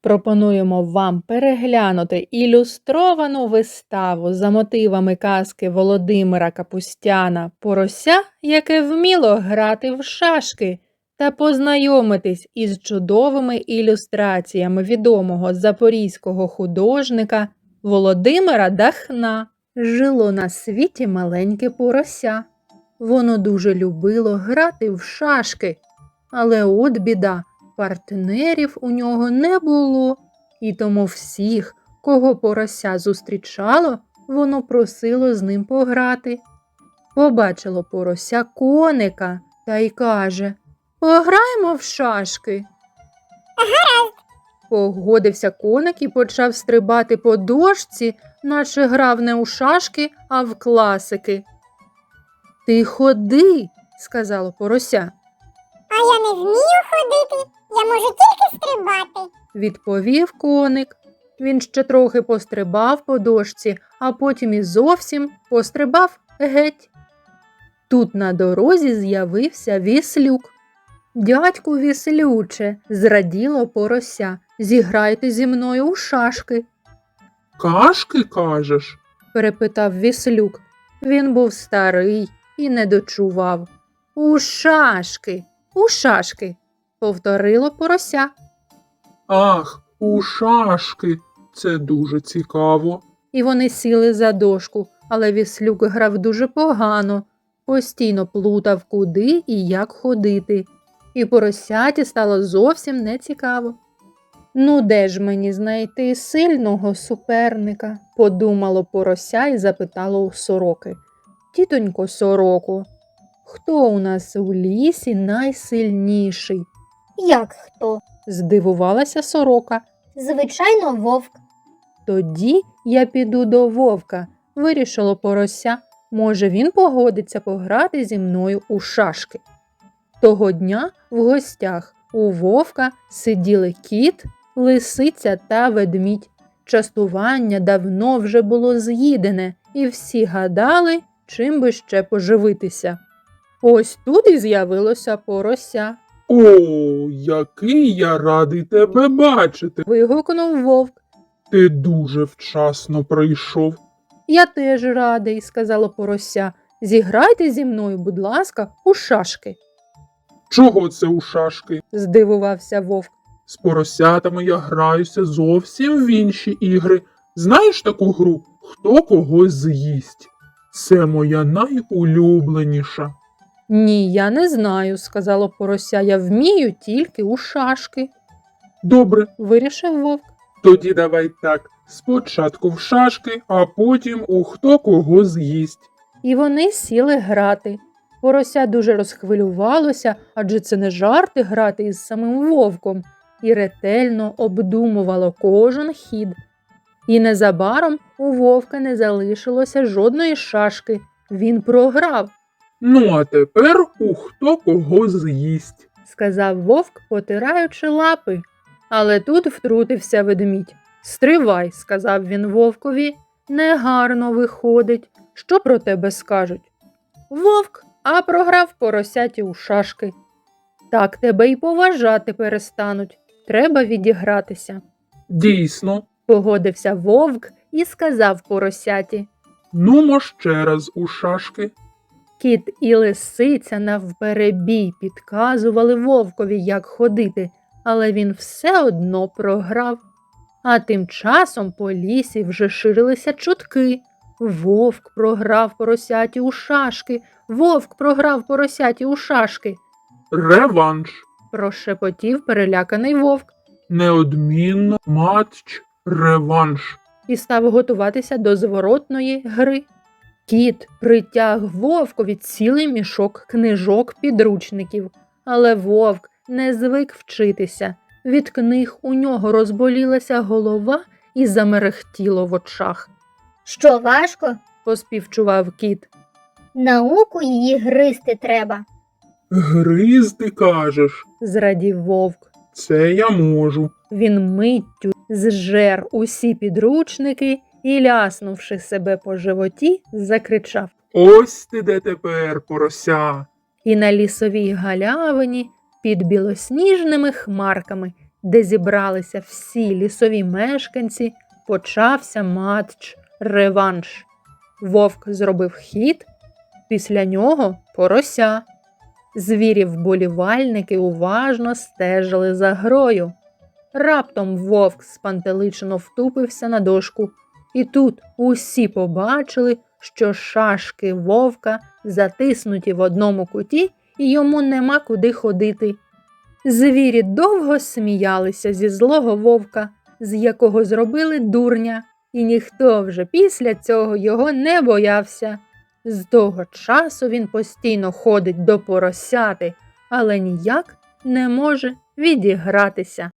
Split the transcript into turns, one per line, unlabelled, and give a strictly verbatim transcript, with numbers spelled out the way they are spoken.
Пропонуємо вам переглянути ілюстровану виставу за мотивами казки Володимира Капустяна «Порося, яке вміло грати в шашки» та познайомитись із чудовими ілюстраціями відомого запорізького художника Володимира Дахна. Жило на світі маленьке порося. Воно дуже любило грати в шашки, але от біда. Партнерів у нього не було, і тому всіх, кого порося зустрічало, воно просило з ним пограти. Побачило порося коника та й каже: «Пограємо в шашки».
Гаразд.
Погодився коник і почав стрибати по дошці, наче грав не у шашки, а в класики. «Ти ходи», – сказало порося.
А я не вмію ходити, я можу тільки стрибати.
Відповів коник. Він ще трохи пострибав по дошці, а потім і зовсім пострибав геть. Тут на дорозі з'явився віслюк. «Дядьку віслюче», – зраділо порося, – «зіграйте зі мною у шашки».
«Кашки, кажеш?»
– перепитав віслюк. Він був старий і не дочував. «У шашки, у шашки», – повторило порося.
«Ах, у шашки! Це дуже цікаво».
І вони сіли за дошку, але віслюк грав дуже погано, постійно плутав, куди і як ходити. І поросяті стало зовсім нецікаво. «Ну, де ж мені знайти сильного суперника?» – подумало порося і запитало у сороки. «Тітонько сороко, хто у нас у лісі найсильніший?»
Як хто?
– здивувалася сорока.
Звичайно, вовк.
«Тоді я піду до вовка», – вирішило порося. «Може, він погодиться пограти зі мною у шашки». Того дня в гостях у вовка сиділи кіт, лисиця та ведмідь. Частування давно вже було з'їдене, і всі гадали, чим би ще поживитися. Ось тут і з'явилося порося.
«О, який я радий тебе бачити!
Вигукнув вовк.
Ти дуже вчасно прийшов».
«Я теж радий», – сказало порося. «Зіграйте зі мною, будь ласка, у шашки».
«Чого це у шашки?
– здивувався вовк.
З поросятами я граюся зовсім в інші ігри. Знаєш таку гру «Хто когось з'їсть»? Це моя найулюбленіша».
«Ні, я не знаю», – сказало порося. «Я вмію тільки у шашки»,
«Добре,
– вирішив вовк.
тоді давай так. Спочатку в шашки, а потім у «Хто кого з'їсть».
І вони сіли грати. Порося дуже розхвилювалося, адже це не жарти грати із самим вовком, і ретельно обдумувало кожен хід. І незабаром у вовка не залишилося жодної шашки. Він програв,
«Ну, а тепер у «Хто кого з'їсть».
сказав вовк, потираючи лапи. Але тут втрутився ведмідь. «Стривай», – сказав він вовкові, – «негарно виходить. Що про тебе скажуть?» «Вовк, а програв поросяті у шашки». «Так тебе й поважати перестануть. Треба відігратися»,
«Дійсно.
– погодився вовк і сказав поросяті.
Нумо ще раз у шашки».
Кіт і лисиця навперебій підказували вовкові, як ходити, але він все одно програв. А тим часом по лісі вже ширилися чутки. Вовк програв поросяті у шашки, вовк програв поросяті у шашки.
«Реванш.
Прошепотів переляканий вовк
Неодмінно матч реванш».
і став готуватися до зворотної гри. Кіт притяг вовкові цілий мішок книжок підручників, але вовк не звик вчитися. Від книг у нього розболілася голова і замерехтіло в очах.
Що важко?
Поспівчував кіт.
Науку її гризти треба.
«Гризти, кажеш?
Зрадів вовк.
Це я можу».
Він миттю зжер усі підручники і, ляснувши себе по животі, закричав.
«Ось ти де тепер, порося!»
І на лісовій галявині під білосніжними хмарками де зібралися всі лісові мешканці, почався матч реванш. Вовк зробив хід, після нього порося. Звірі-вболівальники уважно стежили за грою. Раптом вовк спантеличено втупився на дошку. І тут усі побачили, що шашки вовка затиснуті в одному куті, і йому нема куди ходити. Звірі довго сміялися зі злого вовка, з якого зробили дурня, і ніхто вже після цього його не боявся. З того часу він постійно ходить до поросяти, але ніяк не може відігратися.